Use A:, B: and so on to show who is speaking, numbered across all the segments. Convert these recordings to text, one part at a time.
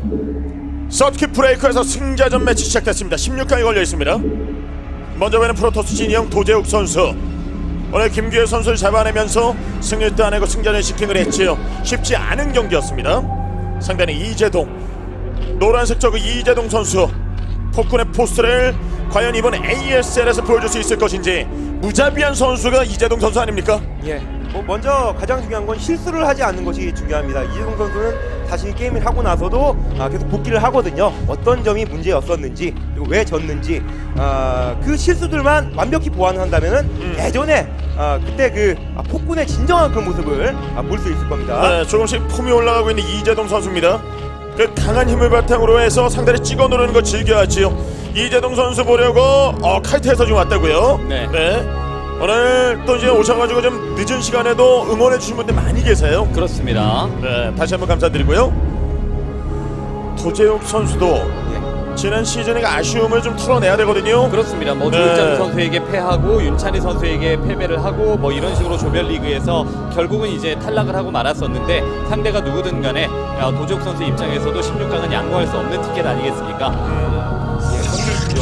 A: 서킷 브레이커에서 승자전 매치 시작됐습니다. 16강이 걸려 있습니다. 먼저 보이는 프로토스 진영 도재욱 선수. 오늘 김규현 선수를 잡아내면서 승리를 따내고 승자전 시킹을 했지요. 쉽지 않은 경기였습니다. 상대는 이재동. 노란색 저그 이재동 선수. 폭군의 포스를 과연 이번 ASL에서 보여줄 수 있을 것인지. 무자비한 선수가 이재동 선수 아닙니까?
B: 예. 먼저 가장 중요한 건 실수를 하지 않는 것이 중요합니다. 이재동 선수는 자신이 게임을 하고 나서도 계속 복귀를 하거든요. 어떤 점이 문제였었는지 그리고 왜 졌는지 그 실수들만 완벽히 보완한다면은 예전에 그때 그 폭군의 진정한 그 모습을 볼 수 있을 겁니다.
A: 네, 조금씩 폼이 올라가고 있는 이재동 선수입니다. 그 강한 힘을 바탕으로 해서 상대를 찍어 누르는 거 즐겨하지요. 이재동 선수 보려고 카이트에서 지금 왔다고요.
C: 네.
A: 오늘 또 이제 오셔가지고 좀 늦은 시간에도 응원해 주신 분들 많이 계세요.
C: 그렇습니다.
A: 네, 다시 한번 감사드리고요. 도재욱 선수도 지난 시즌에 아쉬움을 좀 털어내야 되거든요.
C: 그렇습니다. 뭐
A: 네.
C: 조일장 선수에게 패하고 윤찬희 선수에게 패배를 하고 뭐 이런 식으로 조별리그에서 결국은 이제 탈락을 하고 말았었는데 상대가 누구든 간에 도재욱 선수 입장에서도 16강은 양보할 수 없는 티켓 아니겠습니까?
B: 선수죠.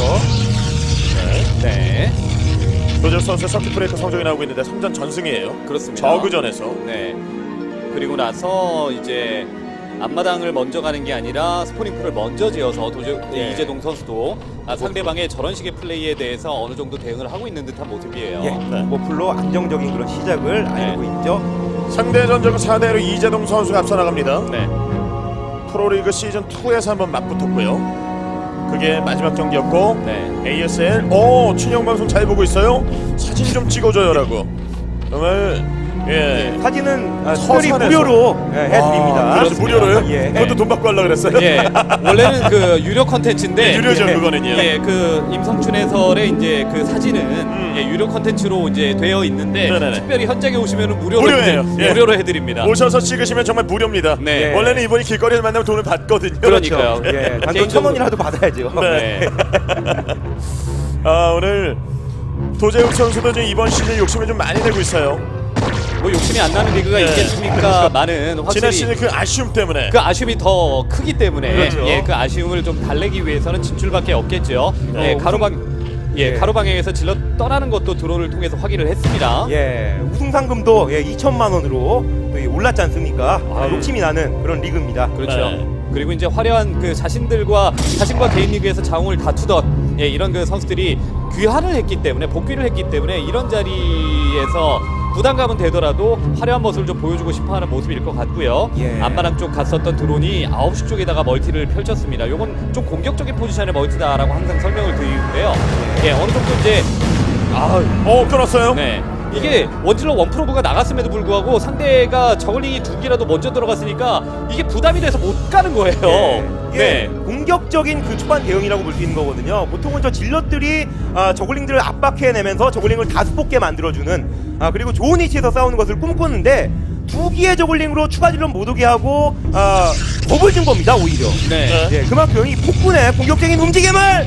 C: 네.
A: 도재욱 선수의 서킷 브레이커 성적이 나오고 있는데 3전 전승이에요.
C: 그렇습니다.
A: 저그전에서.
C: 네. 그리고 나서 이제 앞마당을 먼저 가는 게 아니라 스포닝풀을 먼저 지어서 이재동 선수도 상대방의 저런 식의 플레이에 대해서 어느 정도 대응을 하고 있는 듯한 모습이에요.
B: 풀로 안정적인 그런 시작을 알고 있죠.
A: 상대 전적은 4대1로 이재동 선수가 앞서 나갑니다.
C: 네.
A: 프로리그 시즌2에서 한번 맞붙었고요. 그게 마지막 경기였고.
C: 네.
A: ASL 춘영 방송 잘 보고 있어요. 사진 좀 찍어줘요라고. 정말
B: 사진은 특별히
A: 서산에서.
B: 무료로 해드립니다.
A: 그렇죠, 무료로요?
B: 예.
A: 그것도 돈 받고 하려고 그랬어요?
C: 예, 원래는 그 유료 컨텐츠인데
A: 네, 유료죠, 그거는요.
C: 예, 그 임성춘 해설의 이제 그 사진은 유료 컨텐츠로 이제 되어 있는데
A: 네네네.
C: 특별히 현장에 오시면은 무료로
A: 무료예요.
C: 무료로 해드립니다.
A: 오셔서 찍으시면 정말 무료입니다.
C: 네.
A: 원래는 이분이 길거리에서 만나면 돈을 받거든요.
C: 그러니까요.
B: 예, 단돈
C: 개인적으로-
B: 1,000원이라도 받아야죠.
A: 네.
C: 네.
A: 오늘 도재욱 선수도 지금 이번 시즌 욕심을 좀 많이 내고 있어요.
C: 뭐 욕심이 안 나는 리그가
A: 네.
C: 있겠습니까? 많은
A: 지난
C: 확실히
A: 시즌 그 아쉬움 때문에.
C: 그 아쉬움이 더 크기 때문에
A: 그렇죠.
C: 그 아쉬움을 좀 달래기 위해서는 진출밖에 없겠죠. 가로방향에서 질러 떠나는 것도 드론을 통해서 확인을 했습니다.
B: 우승 상금도 2천만 원으로 또 올랐지 않습니까? 욕심이 나는 그런 리그입니다.
C: 그렇죠.
A: 네.
C: 그리고 이제 화려한 그 자신과 개인 리그에서 자웅을 다투던 이런 그 선수들이 귀환을 했기 때문에 복귀를 했기 때문에 이런 자리에서 부담감은 되더라도 화려한 모습을 좀 보여주고 싶어하는 모습일 것 같고요. 앞마당 쪽 갔었던 드론이 9시 쪽에다가 멀티를 펼쳤습니다. 요건 좀 공격적인 포지션의 멀티다라고 항상 설명을 드리는데요. 어느 정도 이제
A: 끊었어요?
C: 네. 이게 원질러 원프로브가 나갔음에도 불구하고 상대가 저글링이 2기라도 먼저 들어갔으니까 이게 부담이 돼서 못 가는 거예요.
B: 네. 공격적인 그 초반 대응이라고 볼 수 있는 거거든요. 보통은 저 질럿들이 저글링들을 압박해내면서 저글링을 다수 뽑게 만들어주는 그리고 좋은 위치에서 싸우는 것을 꿈꾸는데 2기의 저글링으로 추가 질럿 못 오게 하고 겁을 준 겁니다, 오히려. 그만큼 이 폭군의 공격적인 움직임을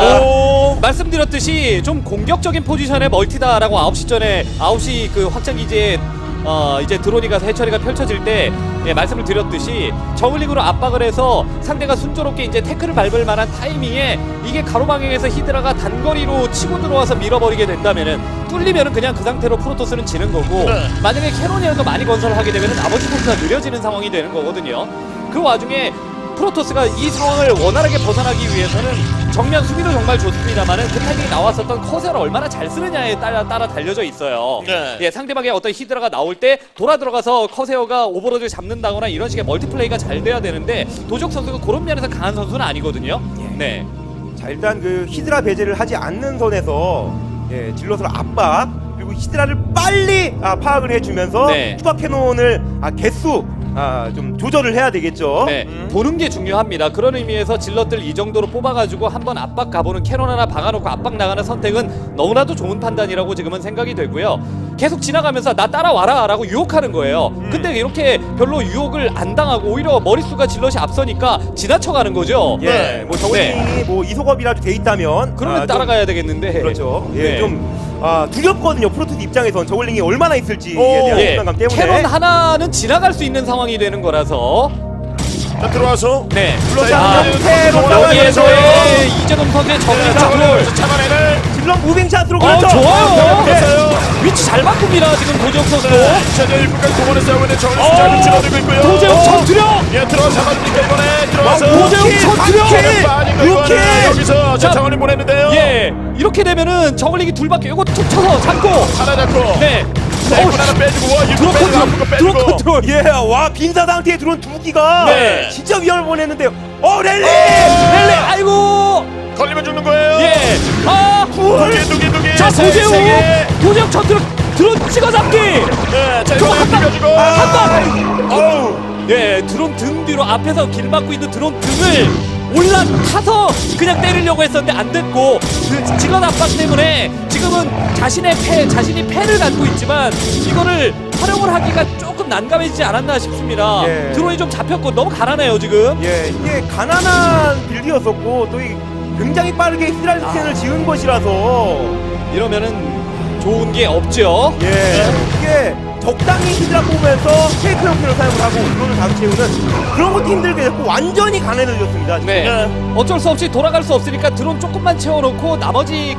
C: 말씀드렸듯이 좀 공격적인 포지션의 멀티다라고 9시 전에 9시 그 확장기지에 이제 드론이 가서 해처리가 펼쳐질 때 말씀을 드렸듯이 저글링으로 압박을 해서 상대가 순조롭게 이제 태클을 밟을 만한 타이밍에 이게 가로방향에서 히드라가 단거리로 치고 들어와서 밀어버리게 된다면은 뚫리면은 그냥 그 상태로 프로토스는 지는 거고 만약에 캐논이라도 많이 건설하게 되면은 나머지 포스가 느려지는 상황이 되는 거거든요. 그 와중에 프로토스가 이 상황을 원활하게 벗어나기 위해서는 정면 수비도 정말 좋습니다만은 그 타이밍에 나왔었던 커세어를 얼마나 잘 쓰느냐에 따라 달려져 있어요. 상대방의 어떤 히드라가 나올 때 돌아 들어가서 커세어가 오버로드를 잡는다거나 이런 식의 멀티플레이가 잘 돼야 되는데 도적 선수가 그런 면에서 강한 선수는 아니거든요.
B: 자, 일단 그 히드라 배제를 하지 않는 선에서 질럿을 압박 그리고 히드라를 빨리 파악을 해주면서 추가 캐논을 개수 좀 조절을 해야 되겠죠.
C: 보는 게 중요합니다. 그런 의미에서 질럿들 이 정도로 뽑아가지고 한번 압박 가보는 캐논 하나 박아놓고 압박 나가는 선택은 너무나도 좋은 판단이라고 지금은 생각이 되고요. 계속 지나가면서 나 따라와라 라고 유혹하는 거예요. 근데 이렇게 별로 유혹을 안 당하고 오히려 머릿수가 질럿이 앞서니까 지나쳐가는 거죠.
B: 뭐 저글링이 뭐 이소겁이라도 돼 있다면
C: 그러면 따라가야 되겠는데.
B: 그렇죠. 좀 두렵거든요. 프로토스 입장에선 저글링이 얼마나 있을지에 대한 부담감 때문에.
C: 캐논 하나는 지나갈 수 있는 상황이 되는 거라서
A: 자, 들어와서
C: 네.
A: 자,
C: 여기에서의 이재동 선수의 정리 작을
A: 잡아내는
B: 질럿 무빙 샷으로 그렇죠.
C: 좋아요.
A: 됐어요.
C: 위치 잘 바꿉니다. 지금 도재욱 선수도.
A: 자, 이제 1분까지 동원에 싸우고 있는 정리 숫자를 줄어들고 있고요.
C: 도재욱 전투력.
A: 예, 들어와 잡아주니까 이번에 들어와서
C: 도재욱 전투력.
A: 빠진 거
B: 이렇게.
A: 이거는 여기서
C: 자,
A: 정원이 보냈는데요.
C: 예, 이렇게 되면은 저글링이 둘밖에 요거 툭 쳐서 잡고.
A: 하나 잡고.
C: 네.
A: 네, 하나 빼주고 와,
C: 드론 컨트롤. 드론 컨트롤.
B: 예, 와 빈사 상태에 들어온 두 기가
A: 네.
B: 진짜 위험을 보냈는데요. 랠리!
C: 렐레, 아이고.
A: 걸리면 죽는 거예요.
C: 예. 아.
A: 두개.
C: 자,
A: 세 개.
C: 도재욱 전투력 드론 찍어 잡기.
A: 네, 자,
C: 저거
A: 이번에
C: 한 방.
A: 비벼주고.
C: 한 방.
A: 어우.
C: 예, 드론 등 뒤로 앞에서 길 막고 있는 드론 등을 올라타서 그냥 때리려고 했었는데 안 됐고 그 직원 압박 때문에 지금은 자신이 패를 갖고 있지만 이거를 활용을 하기가 조금 난감해지지 않았나 싶습니다.
B: 예.
C: 드론이 좀 잡혔고 너무 가난해요 지금.
B: 예, 이게 가난한 빌드였었고 또 굉장히 빠르게 히드라 스캔을 지은 것이라서
C: 이러면은 좋은 게 없죠.
B: 예, 이게 적당히 히드라 뽑으면서 페이크 형태를 사용을 하고 드론을 다수 채우는 그런 것도 힘들게 됐고 완전히 가난해졌습니다. 지금.
C: 네. 어쩔 수 없이 돌아갈 수 없으니까 드론 조금만 채워놓고 나머지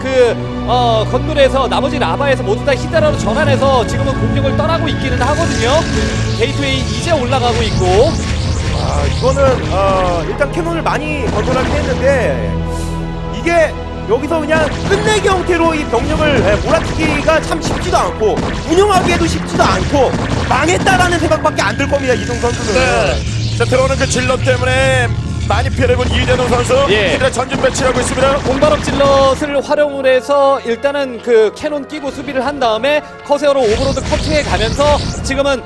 C: 건물에서 나머지 라바에서 모두 다 히드라로 전환해서 지금은 공격을 떠나고 있기는 하거든요. 게이트웨이 이제 올라가고 있고.
B: 아, 이거는 일단 캐논을 많이 건설하긴 했는데 이게 여기서 그냥 끝내기 형태로 이 병력을 몰아치기가 참 쉽지도 않고 운영하기에도 쉽지도 않고 망했다라는 생각밖에 안 들 겁니다. 이동 선수는.
A: 네. 자, 들어오는 그 질럿 때문에 많이 피해를 본 이재동 선수.
C: 예.
A: 이들의 전진 배치하고 있습니다.
C: 공발업 질럿을 활용을 해서 일단은 그 캐논 끼고 수비를 한 다음에 커세어로 오버로드 커트해 가면서 지금은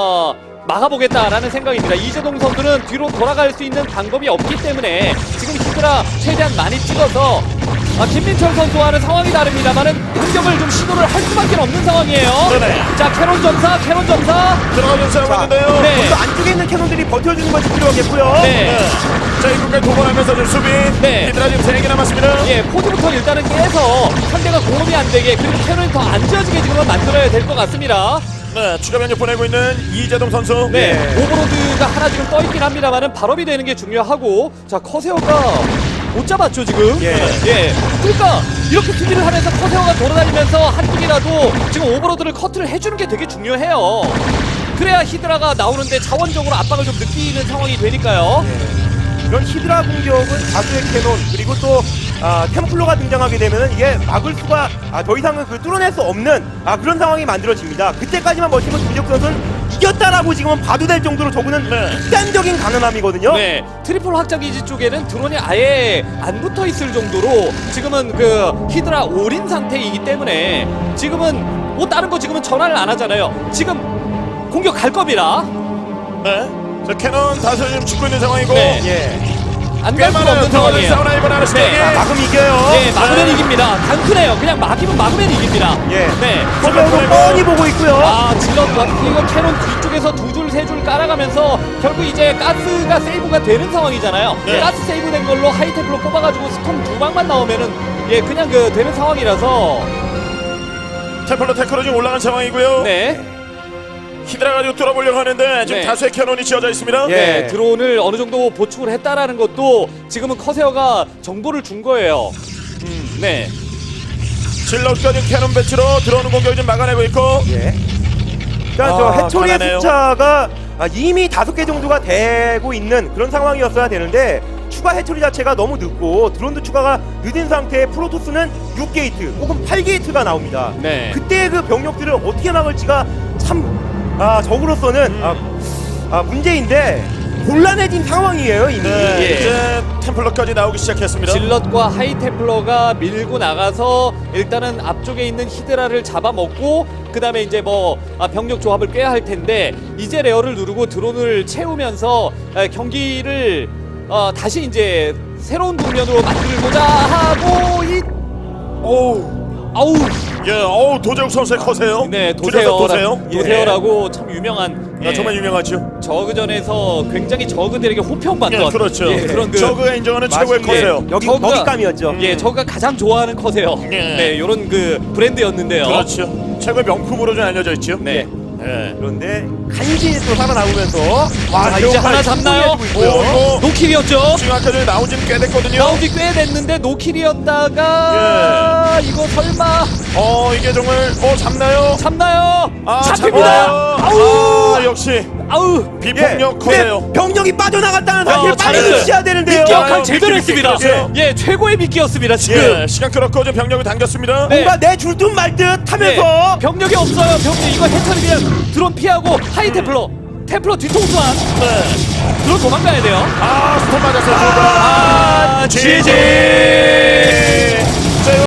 C: 막아보겠다라는 생각입니다. 이재동 선수는 뒤로 돌아갈 수 있는 방법이 없기 때문에 지금 히드라 최대한 많이 찍어서 김민철 선수와는 상황이 다릅니다만은 공격을 좀 시도를 할 수밖에 없는 상황이에요.
A: 네네.
C: 자, 캐논 점사.
A: 들어가면서 싸우고
B: 자,
A: 있는데요.
C: 네.
B: 또 안쪽에 있는 캐논들이 버텨주는 것이 필요하겠고요.
C: 네.
A: 자, 이분까지 동원하면서 좀 수비.
C: 네.
A: 이들아 지금 3개 남았습니다.
C: 예, 포즈부터 일단은 깨서 상대가 공업이 안 되게 그리고 캐논이 더 안 지어지게 지금은 만들어야 될 것 같습니다.
A: 네, 추가 변력 보내고 있는 이재동 선수.
C: 네,
B: 네.
C: 오버로드가 하나 지금 떠있긴 합니다만은 발업이 되는 게 중요하고, 자, 커세어가 못 잡았죠 지금.
B: 예.
C: 예. 그러니까 이렇게 수비를 하면서 커세어가 돌아다니면서 한쪽이라도 지금 오버로드를 커트를 해주는 게 되게 중요해요. 그래야 히드라가 나오는데 자원적으로 압박을 좀 느끼는 상황이 되니까요.
B: 이런 히드라 공격은 다수의 캐논 그리고 또 템플러가 등장하게 되면은 이게 막을 수가 더 이상은 뚫어낼 수 없는 그런 상황이 만들어집니다. 그때까지만 버티면 김재욱 선수는 이겼다라고 지금은 봐도 될 정도로 저거는 극단적인 가난함이거든요.
C: 네, 트리플 확장기지 쪽에는 드론이 아예 안 붙어 있을 정도로 지금은 그 히드라 올인 상태이기 때문에 지금은 뭐 다른 거 지금은 전화를 안 하잖아요. 지금 공격 갈 겁니다.
A: 네. 자, 캐논 다수 지금 죽고 있는 상황이고.
C: 네.
B: 예.
C: 안
A: 꽤
C: 갈 수가
A: 많은
C: 없는
A: 상황을
C: 상황이에요.
A: 싸우나 이번 하나씩.
C: 네.
B: 막으면 이겨요.
C: 네, 막으면 이깁니다. 단순해요. 그냥 막으면 이깁니다.
B: 예.
C: 네.
B: 서로도 뻔히 보고 있고요.
C: 질럿 이거 캐논 뒤쪽에서 두 줄, 세 줄 깔아가면서 결국 이제 가스가 세이브가 되는 상황이잖아요.
A: 네.
C: 가스 세이브 된 걸로 하이테크로 뽑아가지고 스톰 두 방만 나오면은 그냥 되는 상황이라서.
A: 템플러 테크로 지금 올라간 상황이고요.
C: 네.
A: 히드라 가지고 뚫어보려고 하는데 지금
C: 네.
A: 다수의 캐논이 지어져 있습니다.
B: 예.
C: 네, 드론을 어느 정도 보충을 했다라는 것도 지금은 커세어가 정보를 준 거예요. 네.
A: 질럿까지 캐논 배치로 들어오는 공격을 좀 막아내고 있고.
B: 예. 일단 저 해초리의
A: 가난해요.
B: 숫자가 이미 5개 정도가 되고 있는 그런 상황이었어야 되는데 추가 해초리 자체가 너무 늦고 드론도 추가가 늦은 상태에 프로토스는 6게이트 혹은 8게이트가 나옵니다.
C: 네.
B: 그때 그 병력들을 어떻게 막을지가 참 적으로서는 문제인데 곤란해진 상황이에요 이미.
A: 네,
C: 예.
A: 이제 템플러까지 나오기 시작했습니다.
C: 질럿과 하이템플러가 밀고 나가서 일단은 앞쪽에 있는 히드라를 잡아먹고 그 다음에 이제 병력 조합을 꿰야 할 텐데 이제 레어를 누르고 드론을 채우면서 경기를 다시 이제 새로운 국면으로 만들고자 하고 아우
A: 예, 도재욱 선수의 커세요.
C: 네,
A: 줄여서 도세요.
C: 도세요라고 참 유명한
A: 정말 유명하죠.
C: 저그전에서 굉장히 저그들에게 호평받던
A: 예, 그렇죠.
C: 그런
A: 저그가 인정하는 최고의
B: 맞습니다.
A: 커세요.
B: 여기
C: 저그가-
B: 먹잇감이었죠.
C: 예, 저가 가장 좋아하는 커세요.
A: 예.
C: 네, 요런 그 브랜드였는데요.
A: 그렇죠. 최고의 명품으로 좀 알려져 있죠.
C: 네.
A: 예.
B: 그런데 간신히 또 살아남으면서
C: 자, 이제 하나 잡나요?
A: 오,
C: 노킬이었죠.
A: 지금 아까 전에 나온 지는 꽤 됐거든요.
C: 나온 지 꽤 됐는데 노킬이었다가 이거 설마
A: 이게 정말 잡나요?
C: 잡나요?
A: 잡힙니다.
C: 잡힙니다. 아우
A: 역시
C: 아우
A: 비폭력 커요.
B: 근데 병력이 빠져나갔다는 사실을 빨리
C: 잘했어요.
B: 주셔야 되는데요.
C: 미끼역할 제대로
A: 미끼,
C: 했습니다.
A: 미끼였어요.
C: 예, 최고의 미끼였습니다 지금.
A: 예, 시간 끌었고 좀 병력을 당겼습니다.
C: 네.
B: 뭔가 내 줄 듯 말 듯 하면서
C: 병력이 없어요. 병력 이거 해처리 그냥 드론 피하고 하이 템플러 뒤통수만
A: 네.
C: 드론 도망가야 돼요.
A: 스톱 맞았어요.
C: 아,
A: GG.